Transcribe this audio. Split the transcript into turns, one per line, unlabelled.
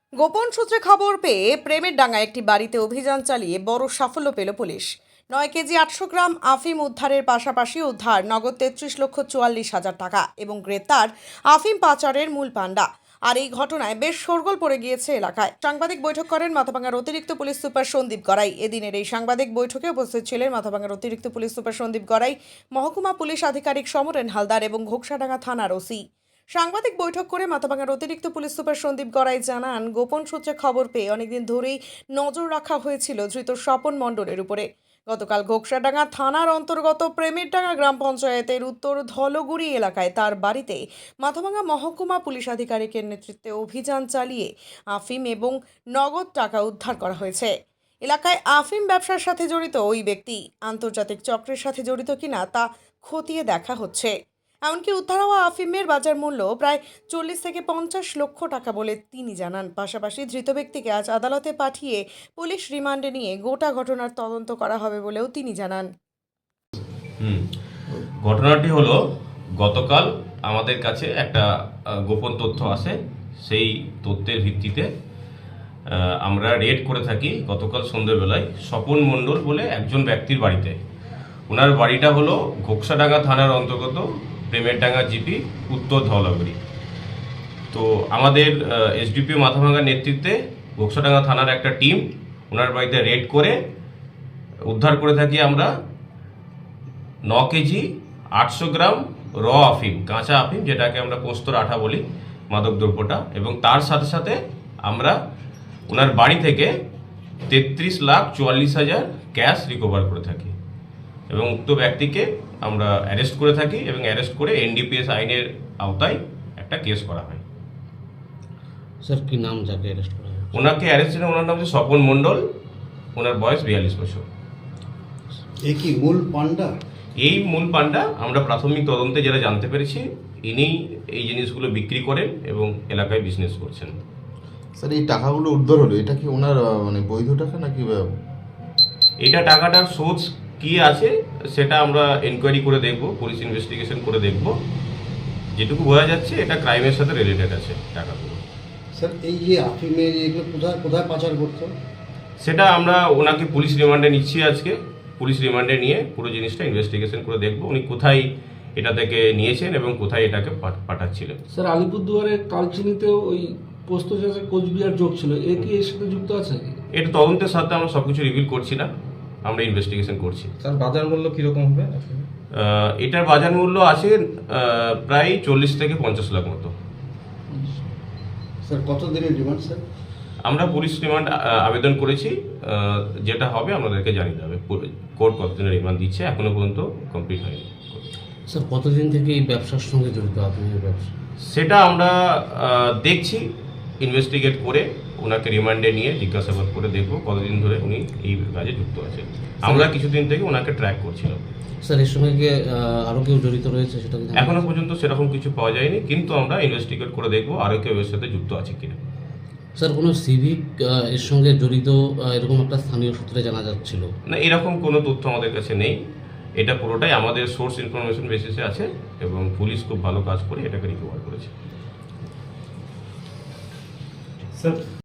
গোপন সূত্রে খবর পেয়ে প্রেমের ডাঙ্গায় একটি বাড়িতে অভিযান চালিয়ে বড় সাফল্য পেল পুলিশ। 9 কেজি 800 গ্রাম আফিম উদ্ধারের পাশাপাশি উদ্ধার নগদ 33,44,000 টাকা এবং গ্রেপ্তার আফিম পাচারের মূল পান্ডা। আর এই ঘটনায় বেশ শোরগোল পড়ে গিয়েছে এলাকায়। সাংবাদিক বৈঠক করেন মাথাভাঙার অতিরিক্ত পুলিশ সুপার সন্দীপ গড়াই। এদিনের এই সাংবাদিক বৈঠকে উপস্থিত ছিলেন মাথাভাঙার অতিরিক্ত পুলিশ সুপার সন্দীপ গড়াই, মহকুমা পুলিশ আধিকারিক সমরেন হালদার এবং ঘোকসাডাঙ্গা থানার ওসি। সাংবাদিক বৈঠক করে মাথাভাঙার অতিরিক্ত পুলিশ সুপার সন্দীপ গড়াই জানান, গোপন সূত্রে খবর পেয়ে অনেকদিন ধরেই নজর রাখা হয়েছিল ধৃত স্বপন মণ্ডলের উপরে। গতকাল ঘোকসাডাঙ্গা থানার অন্তর্গত প্রেমেরডাঙ্গা গ্রাম পঞ্চায়েতের উত্তর ধলগুড়ি এলাকায় তার বাড়িতে মাথাভাঙা মহকুমা পুলিশ আধিকারিকের নেতৃত্বে অভিযান চালিয়ে আফিম এবং নগদ টাকা উদ্ধার করা হয়েছে। এলাকায় আফিম ব্যবসার সাথে জড়িত ওই ব্যক্তি আন্তর্জাতিক চক্রের সাথে জড়িত কিনা তা খতিয়ে দেখা হচ্ছে। এমনকি উদ্ধার হওয়া আফিমের বাজার মূল্য প্রায় 40 থেকে 50 লক্ষ টাকা বলে তিনি জানান। পাশাপাশি ধৃত ব্যক্তিকে আজ আদালতে পাঠিয়ে পুলিশ রিমান্ডে নিয়ে গোটা ঘটনার তদন্ত করা হবে বলেও তিনি জানান।
ঘটনাটি হলো, গতকাল আমাদের কাছে একটা গোপন তথ্য আসে। সেই তথ্যের ভিত্তিতে আমরা রেড করে থাকি গতকাল সন্ধ্যেবেলায় স্বপন মণ্ডল বলে একজন ব্যক্তির বাড়িতে। ওনার বাড়িটা হলো ঘোকসাডাঙ্গা থানার অন্তর্গত প্রেমেরডাঙ্গা জিপি উত্তর ধলাগুড়ি। তো আমাদের এসডিপিও মাথাভাঙার নেতৃত্বে ঘোকসাডাঙ্গা থানার একটা টিম ওনার বাড়িতে রেড করে উদ্ধার করে থাকি আমরা 9 কেজি 800 গ্রাম র আফিম, কাঁচা আফিম, যেটাকে আমরা পোস্তর আঠা বলি, মাদক দ্রব্যটা। এবং তার সাথে সাথে আমরা ওনার বাড়ি থেকে 33,44,000 ক্যাশ রিকভার করে থাকি এবং উক্ত ব্যক্তিকে আমরা অ্যারেস্ট করে থাকি এবং অ্যারেস্ট করে এনডিপিএস আইনের আওতায় একটা কেস করা হয়।
স্যার কি নাম যাকে অ্যারেস্ট করা হয়?
ওনাকে অ্যারেস্ট ছিলেন, ওনার নাম হচ্ছে স্বপন মণ্ডল, ওনার বয়স 42 বছর।
এই কি মূল পান্ডা?
এই মূল পান্ডা আমরা প্রাথমিক তদন্তে যেটা জানতে পেরেছি, ইনি এই জিনিসগুলো বিক্রি করেন এবং এলাকায় বিজনেস করছেন।
স্যার, এই টাকাগুলো উদ্ধার হলো, এটা কি ওনার মানে বৈধ টাকা নাকি?
এটা টাকাটার সোর্স কি আছে সেটা আমরা এনকোয়ারি করে দেখব, পুলিশ ইনভেস্টিগেশন করে দেখব। যেটুকু বোঝা যাচ্ছে এটা ক্রাইমের সাথে রিলেটেড আছে টাকাগুলো।
স্যার, এই যে আফিমের এগুলো কোথায় কোথায় পাচার করতো?
সেটা আমরা ওনাকে পুলিশ রিমান্ডে নিচ্ছি আজকে। পুলিশ রিমান্ডে নিয়ে পুরো জিনিসটা ইনভেস্টিগেশন করে দেখব উনি কোথায় এটা থেকে নিয়েছেন এবং কোথায় এটাকে পাঠাচ্ছিলেন।
স্যার, আলিপুরদুয়ারে কালচিনিতেও ওই পোস্ত চাষে কোচবিহার যোগ ছিল, এ কি এর সাথে যুক্ত আছে?
এটা তদন্তের সাথে আমরা সবকিছু রিভিল করছি না, আমরা ইনভেস্টিগেশন করছি।
স্যার, বাজার মূল্য কিরকম হবে?
এটার বাজার মূল্য আছে প্রায় 40 থেকে 50 লাখ মতো।
স্যার, কত দিনের রিমান্ড স্যার?
আমরা পুলিশ রিমান্ড আবেদন করেছি, যেটা হবে আমাদেরকে জানিয়ে দেবে কোর্ট কতদিনের রিমান্ড দিচ্ছে, এখনো পর্যন্ত কমপ্লিট হয়নি।
স্যার, কতদিন থেকে এই ব্যবসার সঙ্গে জড়িত আপনার ব্যবসা?
সেটা আমরা দেখছি, ইনভেস্টিগেট করে ওনাকে রিমান্ডে নিয়ে জিজ্ঞাসাবাদ করে দেখব কতদিন ধরে উনি এই কাজে যুক্ত আছে। আমরা কিছুদিন থেকে ওনাকে ট্র্যাক করছিলাম।
স্যার, এর সঙ্গে কি আরও কেউ জড়িত রয়েছে সেটা
এখনো পর্যন্ত সেরকম কিছু পাওয়া যায়নি, কিন্তু আমরা ইনভেস্টিগেট করে দেখব আরও কেউ এর সাথে যুক্ত আছে কিনা।
স্যার, কোনো সিভিক এর সঙ্গে জড়িত এরকম একটা স্থানীয় সূত্রে জানা যাচ্ছিল
না, এরকম কোনো তথ্য আমাদের কাছে নেই। এটা পুরোটাই আমাদের সোর্স ইনফরমেশন বেসিসে আছে এবং পুলিশ খুব ভালো কাজ করে এটাকে রিকভার করেছে।
স্যার